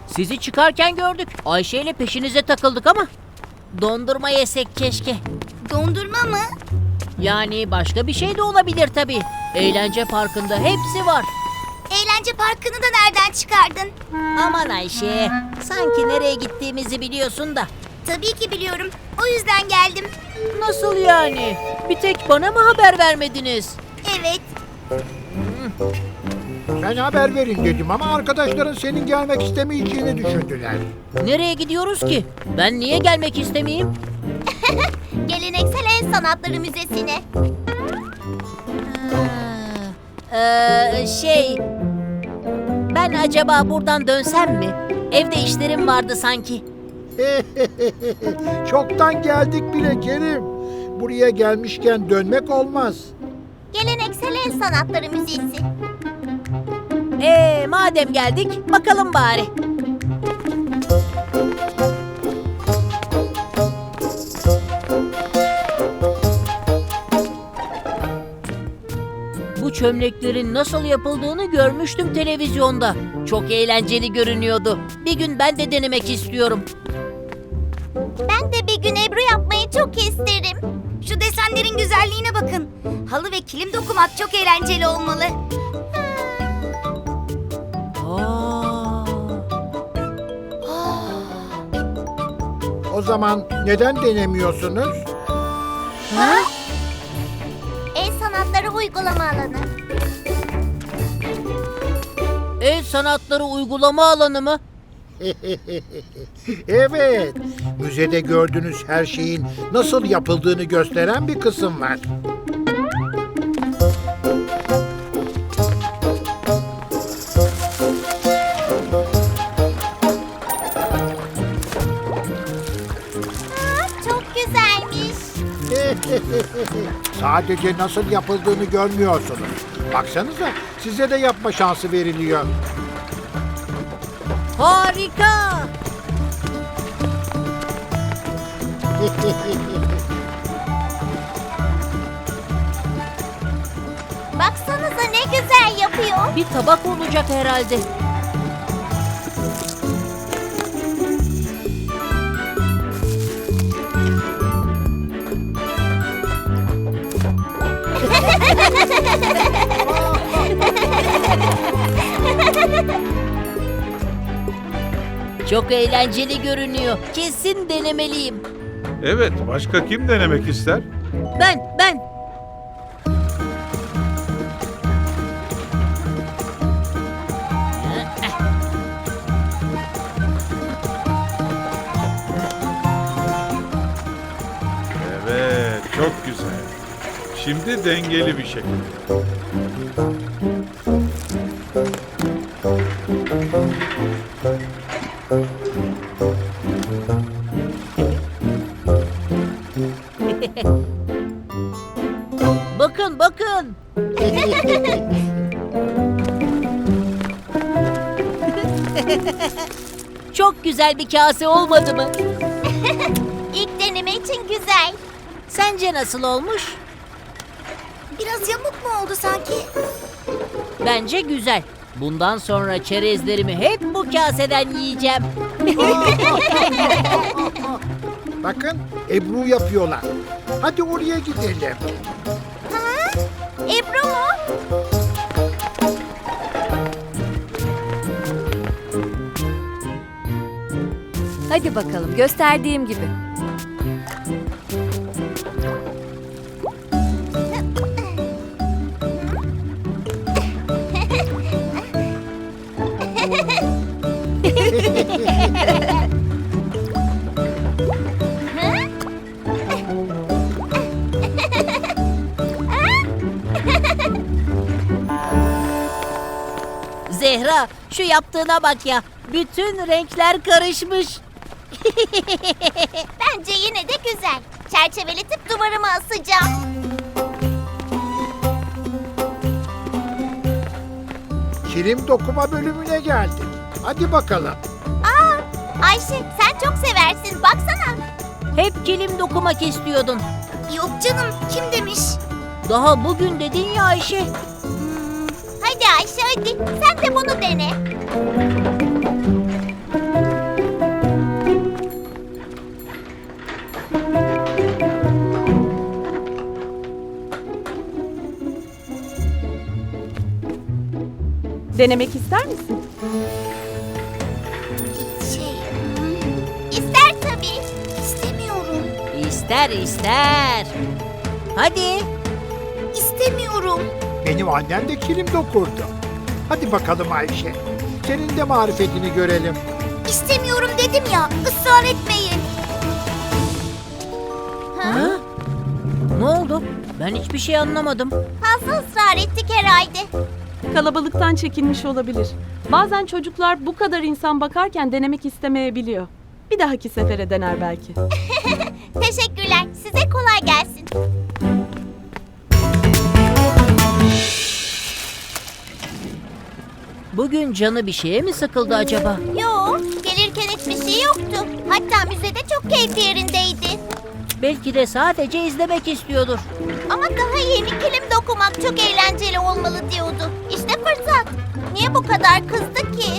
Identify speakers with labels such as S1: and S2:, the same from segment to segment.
S1: Sizi çıkarken gördük. Ayşe ile peşinize takıldık ama. Dondurma yesek keşke.
S2: Dondurma mı?
S1: Yani başka bir şey de olabilir tabii. Eğlence parkında hepsi var.
S2: Eğlence parkını da nereden çıkardın?
S1: Aman Ayşe, sanki nereye gittiğimizi biliyorsun da.
S2: Tabii ki biliyorum. O yüzden geldim.
S1: Nasıl yani? Bir tek bana mı haber vermediniz?
S2: Evet.
S3: Ben haber verin dedim ama arkadaşların senin gelmek istemeyeceğini düşündüler.
S1: Nereye gidiyoruz ki? Ben niye gelmek istemeyeyim?
S2: Geleneksel El Sanatları Müzesi'ne.
S1: Ben acaba buradan dönsem mi? Evde işlerim vardı sanki.
S3: Çoktan geldik bile Kerim. Buraya gelmişken dönmek olmaz.
S2: Geleneksel El Sanatları Müzesi.
S1: Madem geldik, bakalım bari. Bu çömleklerin nasıl yapıldığını görmüştüm televizyonda. Çok eğlenceli görünüyordu. Bir gün ben de denemek istiyorum.
S2: Ben de bir gün Ebru yapmayı çok isterim. Şu desenlerin güzelliğine bakın. Halı ve kilim dokumak çok eğlenceli olmalı.
S3: O zaman neden denemiyorsunuz?
S2: El Sanatları Uygulama Alanı.
S1: El sanatları uygulama alanı mı?
S3: Evet, müzede gördüğünüz her şeyin nasıl yapıldığını gösteren bir kısım var.
S2: Çok güzelmiş.
S3: Sadece nasıl yapıldığını görmüyorsunuz. Baksanıza, size de yapma şansı veriliyor.
S1: Harika!
S2: Baksanıza ne güzel yapıyor.
S1: Bir tabak olacak herhalde. Çok eğlenceli görünüyor. Kesin denemeliyim.
S4: Evet, başka kim denemek ister?
S1: Ben.
S4: Evet, çok güzel. Şimdi dengeli bir şekilde.
S1: Bakın. Çok güzel bir kase olmadı mı?
S2: İlk deneme için güzel.
S1: Sence nasıl olmuş?
S2: Biraz yamuk mu oldu sanki?
S1: Bence güzel. Bundan sonra çerezlerimi hep bu kaseden yiyeceğim.
S3: Bakın, Ebru yapıyorlar. Hadi oraya gidelim.
S2: Ebru mu?
S5: Hadi bakalım, gösterdiğim gibi.
S1: Zehra, şu yaptığına bak ya. Bütün renkler karışmış.
S2: Bence yine de güzel. Çerçeveletip duvarıma asacağım.
S3: Kilim dokuma bölümüne geldik. Hadi bakalım.
S2: Ayşe sen çok seversin baksana.
S1: Hep kilim dokumak istiyordun.
S2: Yok canım kim demiş?
S1: Daha bugün dedin ya Ayşe.
S2: Hadi Ayşe hadi sen de bunu dene.
S6: Denemek ister misin?
S2: İster tabii. İstemiyorum.
S1: İster ister. Hadi.
S2: İstemiyorum.
S3: Benim annem de kilim dokurdu. Hadi bakalım Ayşe. Senin de marifetini görelim.
S2: İstemiyorum dedim ya. Israr etmeyin.
S1: Ha? Ne oldu? Ben hiçbir şey anlamadım.
S2: Fazla ısrar ettik herhalde.
S6: Kalabalıktan çekinmiş olabilir. Bazen çocuklar bu kadar insan bakarken denemek istemeyebiliyor. Bir dahaki sefere dener belki.
S2: Teşekkürler. Size kolay gelsin.
S1: Bugün canı bir şeye mi sıkıldı acaba?
S2: Yo, gelirken hiçbir şey yoktu. Hatta müzede çok keyfi yerindeydi.
S1: Belki de sadece izlemek istiyordur.
S2: Ama daha yeni kilim dokumak çok eğlenceli olmalı diyordu. İşte fırsat. Niye bu kadar kızdı ki?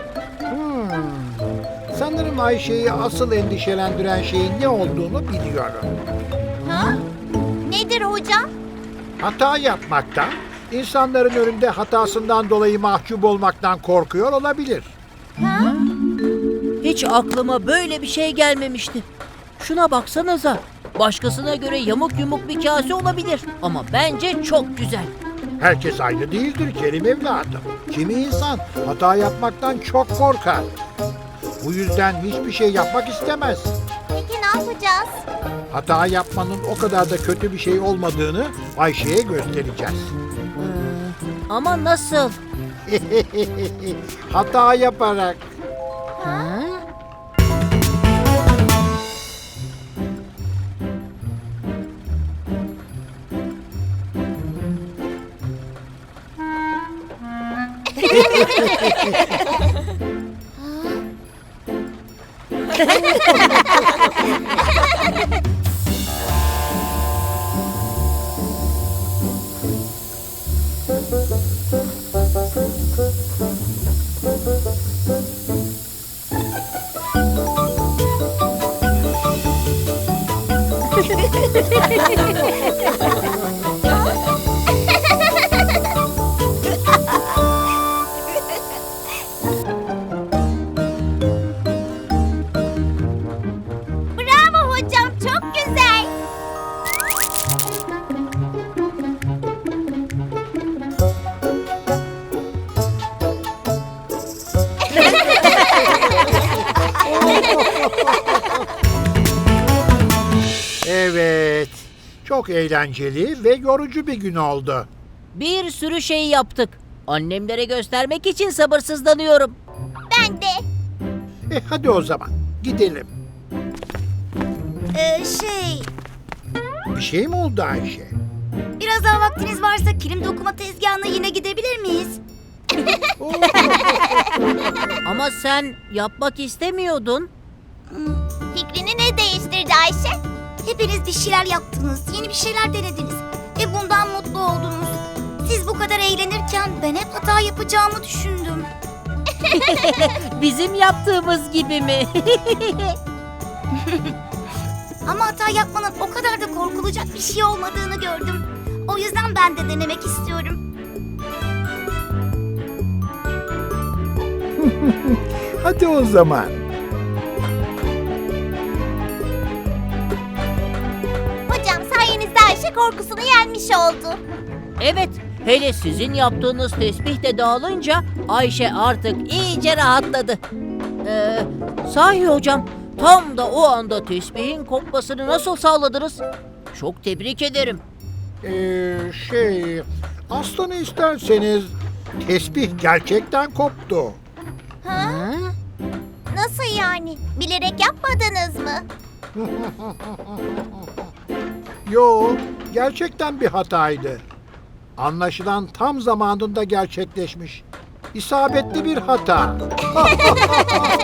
S3: Sanırım Ayşe'yi asıl endişelendiren şeyin ne olduğunu biliyorum.
S2: Ha? Nedir hocam?
S3: Hata yapmaktan, insanların önünde hatasından dolayı mahcup olmaktan korkuyor olabilir.
S2: Ha?
S1: Hiç aklıma böyle bir şey gelmemişti. Şuna baksanıza. Başkasına göre yamuk yumuk bir kase olabilir. Ama bence çok güzel.
S3: Herkes aynı değildir Kerim evladım. Kimi insan hata yapmaktan çok korkar. Bu yüzden hiçbir şey yapmak istemez.
S2: Peki ne yapacağız?
S3: Hata yapmanın o kadar da kötü bir şey olmadığını Ayşe'ye göstereceğiz.
S1: Ama nasıl?
S3: Hata yaparak.
S1: Ha?
S2: Bravo hocam, çok güzel.
S3: Evet. Çok eğlenceli ve yorucu bir gün oldu.
S1: Bir sürü şey yaptık. Annemlere göstermek için sabırsızlanıyorum.
S2: Ben de.
S3: Hadi o zaman gidelim. Bir şey mi oldu Ayşe?
S2: Biraz daha vaktiniz varsa kilim dokuma tezgahına yine gidebilir miyiz?
S1: Ama sen yapmak istemiyordun.
S2: Fikrini ne değiştirdi Ayşe? Hepiniz bir şeyler yaptınız, yeni bir şeyler denediniz ve bundan mutlu oldunuz. Siz bu kadar eğlenirken ben hep hata yapacağımı düşündüm.
S1: Bizim yaptığımız gibi mi?
S2: Ama hata yapmanın o kadar da korkulacak bir şey olmadığını gördüm. O yüzden ben de denemek istiyorum.
S3: Hadi o zaman.
S2: Hocam sayenizde Ayşe korkusunu yenmiş oldu.
S1: Evet, hele sizin yaptığınız tesbih de dağılınca Ayşe artık iyice rahatladı. Sahi hocam, tam da o anda tesbihin kopmasını nasıl sağladınız? Çok tebrik ederim.
S3: Aslını isterseniz tesbih gerçekten koptu.
S2: Ha? Nasıl yani? Bilerek yapmadınız mı?
S3: Yo, gerçekten bir hataydı. Anlaşılan tam zamanında gerçekleşmiş. İsabetli bir hata.